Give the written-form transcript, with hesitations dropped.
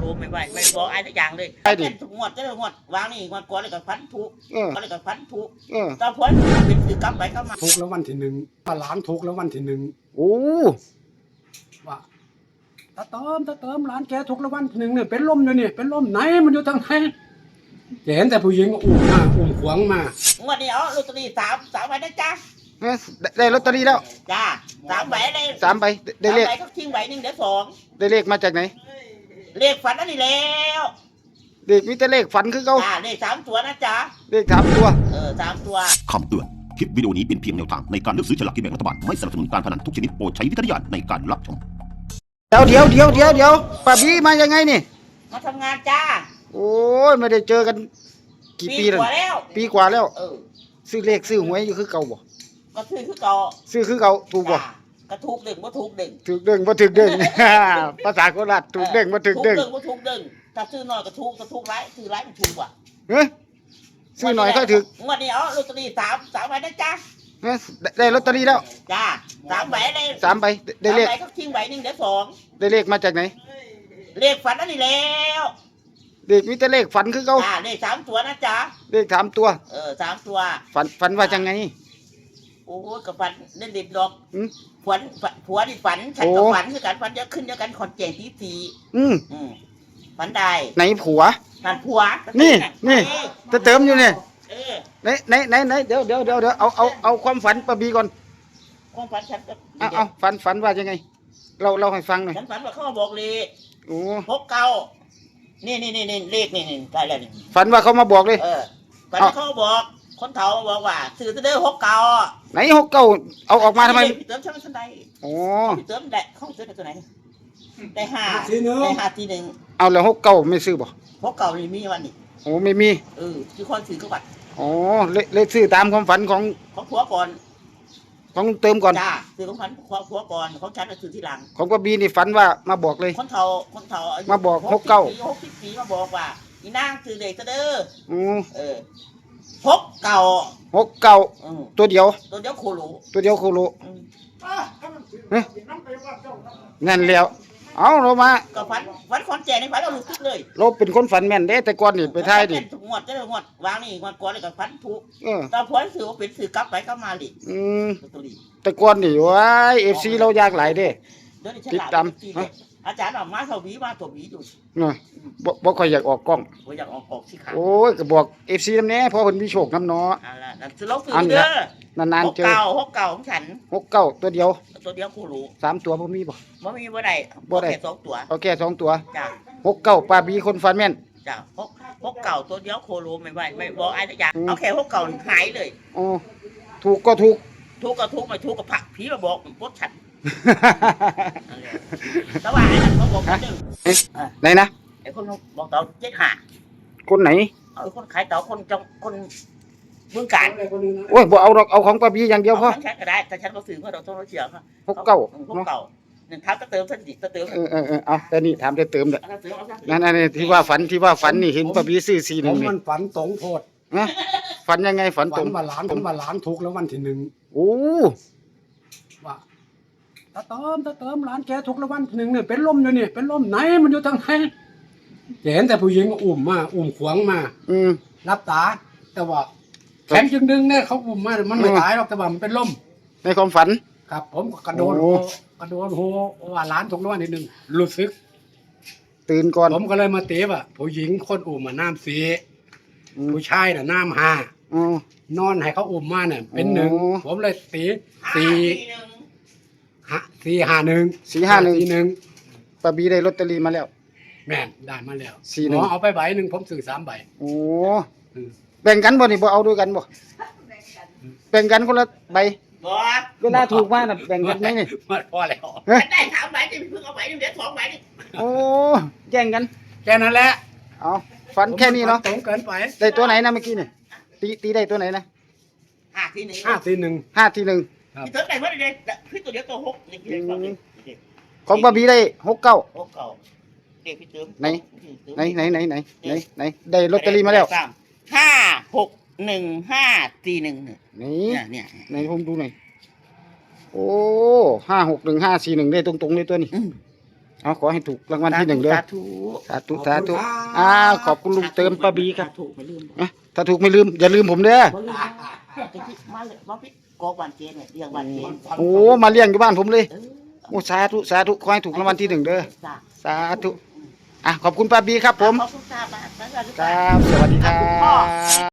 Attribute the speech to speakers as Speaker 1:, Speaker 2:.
Speaker 1: รู้ไม่บอกอะไรสักอย่างเลยเป็นงวดจะงวดวางนี่งวดก่อนเลยกับฟันทุกก็เลยกับฟันทุกตอนพ้นเป็นคือกลับไปก็มา
Speaker 2: ทุกแล้ววันที่1มาล้างทุกแล้ววันที่1
Speaker 3: โอ้
Speaker 2: ว่าตาเติมร้านแกทุกแล้ววันที่1เนี่ยเป็นลมอยู่นี่เป็นลมไหนมันอยู่ทางไหนเห็นแต่ผู้หญิงอุ้มขวางมาง
Speaker 1: วดนี้เอาลอตเตอรี่3ใบนะจ๊ะ
Speaker 3: ได้ลอตเตอรี่แล้ว
Speaker 1: จ้า3 ใบได้
Speaker 3: 3 ใบได้เลข
Speaker 1: ก็ทิ้งใบ1เดี๋ยว2
Speaker 3: ได้เลขมาจากไหน
Speaker 1: เลขฝันนั่นนี่แล้ว
Speaker 3: เลขมีแต่เลขฝันคือเขา
Speaker 1: เลข3 ตัวนะจ๊ะ
Speaker 3: เลข3 ตัว
Speaker 1: 3 ตัว
Speaker 4: คำเตือนคลิปวิดีโอนี้เป็นเพียงแนวทางในการเลือกซื้อฉลากกินแบ่งรัฐบาลไม่สนับสนุนการพนันทุกชนิดโปรดใช้วิจารณญาณในการรับชม
Speaker 3: เดี๋ยวป้าบี้มายังไงนี่
Speaker 1: มาทำงานจ้า
Speaker 3: โอ้ยไม่ได้เจอกันกี่ปีแล้วปีกว่าแล้วซื้อเลขซื้อหวยอยู่คือเก่าบ่
Speaker 1: ก็ซื้อคือเก่า
Speaker 3: ถูกบ่
Speaker 1: ก็ถูกดึงบ่ถูกดึง
Speaker 3: ถูกดึงบ่ถูกดึงภาษาโคราชถูกดึงบ่ถูกดึง
Speaker 1: บ่ถูกดึงถ้าซื้อน้อยก็ถูกหลายซื้อหลายมันถูกกว่า
Speaker 3: ซื้อหน่อยก็ถูก
Speaker 1: งวดนี้เอาลอตเตอรี่3ใบนะจ๊ะ
Speaker 3: ได้ลอตเตอรี่แล้ว
Speaker 1: จ้า3 ใบได้
Speaker 3: 3 ใบได้เลข
Speaker 1: ก็ทิ้งใบ1เดี๋ยว2
Speaker 3: ได้เลขมาจากไหน
Speaker 1: เลขฝันนั่นนี่แล้ว
Speaker 3: เลขมีแต่เลขฝันคือเขา
Speaker 1: เลข3 ตัวนะจ๊ะ
Speaker 3: เลข3 ตัว
Speaker 1: 3 ตัว
Speaker 3: ฝันว่าจังไง
Speaker 1: โอ้กับฝันเล่นเด็ดดอกผัวนี่ฝันฉันก็ฝันคือกันฝันเยอะขึ้นเยอะกันขอนแก่นทีฝันได้
Speaker 3: ไหนผัว
Speaker 1: นั่นผัว
Speaker 3: นี่จะเติมอยู่เนี่ยไหนเดี๋ยวเอาความฝันป้าบีก่อน
Speaker 1: ความฝันฉันก็
Speaker 3: เอาฝันว่ายังไงเราให้ฟังหน่อย
Speaker 1: ฉันฝันว่าเขามาบอกเลย
Speaker 3: โอ้
Speaker 1: 69นี่เลขนี่ได้แล้วนี่
Speaker 3: ฝันว่าเขามาบอกเลย
Speaker 1: ฝันเขาบอกคนเฒ่าบอกว่าซื้อจะได้69
Speaker 3: ไหน69เอาออกมาทำไม
Speaker 1: เติมฉันไม่ทันได้
Speaker 3: โอ้
Speaker 1: เติมได้เขาซื้อตัวไหนได้5ที1
Speaker 3: เอาแล้ว69ไม่ซื้อบ่
Speaker 1: 69นี่มีวันนี้
Speaker 3: โอ้ไม่มี
Speaker 1: คือคนซื้อก็บัตร
Speaker 3: อ๋อเลขซื้อตามความฝันของ
Speaker 1: ผัวก่อน
Speaker 3: ของเติมก่อน
Speaker 1: จ้าซื้อของฝันผัวก่อนของฉันก็ซื้อทีหลัง
Speaker 3: ของป้าบีนี่ฝันว่ามาบอกเลย
Speaker 1: คนเฒ่า
Speaker 3: มาบอก
Speaker 1: 60 ปีมาบอกว่าอีนางซื้อเด็กเด้อ
Speaker 3: 69ตัวเดียว
Speaker 1: โคโล
Speaker 3: นั่นแล้วเอาเรามา
Speaker 1: ก็ฝันคอนแก่ในฝันเราลุกขึ้นเลย
Speaker 3: เราเป็นคนฝันแม่นเด้แต่ก่อนนี่ไปท้ายดิ
Speaker 1: งวดวางนี่งวดก่อนเลยกับฝันทุกตอนพ้นถือว่าเป็นสื่อกลับไปกลับมาดิ
Speaker 3: แต่ก่อนนี่ว้ายFCเรายากหลายเด้ติดตาม
Speaker 1: อาจารย์ออกมาเท่าวีมาตัววีอยู่
Speaker 3: บ่ค่อยอยากออกกล้อง
Speaker 1: อยากออกสิครับ
Speaker 3: โอ้ยก็บอก FC นำแน่เพราะเพิ่นมีโชคนำเนาะ
Speaker 1: เราซื้อเด้
Speaker 3: อนานๆเจอ
Speaker 1: 69ของฉัน
Speaker 3: 69ตัวเดียว
Speaker 1: โคโล
Speaker 3: 3 ตัวบ่มีบ่
Speaker 1: ได้แค่2 ตัว
Speaker 3: เอาแค่2 ตัว
Speaker 1: จ้ะ
Speaker 3: 69ป้าบีคนฝันแม่น
Speaker 1: จ้ะ69ตัวเดียวโคโลไม่บอกอะไรสักอย่างเอาแค่69หายเลย
Speaker 3: อ๋อถูกก็ถูก
Speaker 1: ไม่ถูกก็ผักผีมาบอกปดฉันแต่ว่าไอ้นั่นเขาบอกคนนึง
Speaker 3: ไหนนะ
Speaker 1: ไอ้คนบอกเต่า75
Speaker 3: คนไหน
Speaker 1: คนขายเต่าคนเมืองการ
Speaker 3: โอ้ยบ่เอาของป้าบีอย่างเดียวพอ
Speaker 1: ฉันก็ได้แต่ฉันก็ซื้อเพราะเราต้องเสียค่ะ69หนึ่งทับก็เติม
Speaker 3: เอาแต่นี่ถามจะเติมเลยนั่นที่ว่าฝันนี่เห็นป้าบีซื้อ41นี่
Speaker 2: มันฝันตรงโพด
Speaker 3: ฝันยังไงฝันตรง
Speaker 2: มาล้างทุกแล้ววันที่1
Speaker 3: โอ้
Speaker 2: ว่าตาเติมร้านแกทุกแล้ววันที่1เนี่ยเป็นลมอยู่นี่เป็นลมไหนมันอยู่ทางไหนเห็นแต่ผู้หญิงอุ้มขวางมารับตาแต่ว่าแขนจึงดึงเนี่ยเขาอุ้มมามันไม่ตายหรอกแต่ว่ามันเป็นลม
Speaker 3: ในความฝัน
Speaker 2: ครับผมกระโดดโหว่าร้านทุกแล้ววันที่1รู้สึก
Speaker 3: ตื่นก่อน
Speaker 2: ผมก็เลยมาเตะว่าผู้หญิงคนอุ้มน้ำ4ผู้ชายน่ะน้ำ5นอนให้เขาอุ้มมาเนี่ยเป็น1ผมเลยตี
Speaker 3: ป้าบีได้ลอตเตอรี่มาแล้ว
Speaker 2: แม่นได้มาแล้วหมอเอาไปใบ1ผมซื้อ3 ใบ
Speaker 3: โอ้แบ่งกันบ่นี่บ่เอาด้วยกันบ่แบ่งกันคนละใบเวลาถูกมาน่ะแบ่งกันไหมนี่
Speaker 1: พอแล้วได้3 ใบที่เพิ่งเอาใบนึงเดี๋ยว2 ใบนี่
Speaker 3: โอ้แย่งกัน
Speaker 2: แค่นั้นแหละ
Speaker 3: เอาฝันแค่นี้เนาะ
Speaker 2: ตรงเกินไป
Speaker 3: ได้ตัวไหนนะเมื่อกี้นี่ตีได้ตัวไหนนะ
Speaker 1: 5 ที 1
Speaker 3: ที่
Speaker 1: เติมได้เมื่อไรพี่ตัวเดียวตัว6นี่
Speaker 3: ของป้าบีได้69
Speaker 1: เด็กพี่เติม
Speaker 3: ไหนได้ลอตเตอรี่มาแล้ว
Speaker 1: 56154
Speaker 3: นี่ไหนผมดูหน่อยโอ้561 541ได้ตรงๆเลยตัวนี้เอาขอให้ถูกรางวัลที่หนึ่งเด้อ
Speaker 1: สาธุ
Speaker 3: สาธุสาธุขอบคุณลุงเติมป้าบีครับ
Speaker 1: ถูกไม่ลืม
Speaker 3: ถ้าถูกไม่ลืมอย่าลืมผมเด้อ
Speaker 1: บ่ลืมนะเพื่อนกันที่มาเลยมาพี่กอกบ้านเจนเนี่ยเรียกบ้านเจน
Speaker 3: โอ้มาเลี้ยงอยู่บ้านผมเลย
Speaker 1: เออ
Speaker 3: โอ้สาธุสาธุขอให้ถูกรางวัลที่หนึ่งเด้อ
Speaker 1: จ้ะ
Speaker 3: สาธุขอบคุณป้าบีครับผม
Speaker 1: ขอบคุณค่ะบ้าน
Speaker 3: ครับ สวัสดีครับ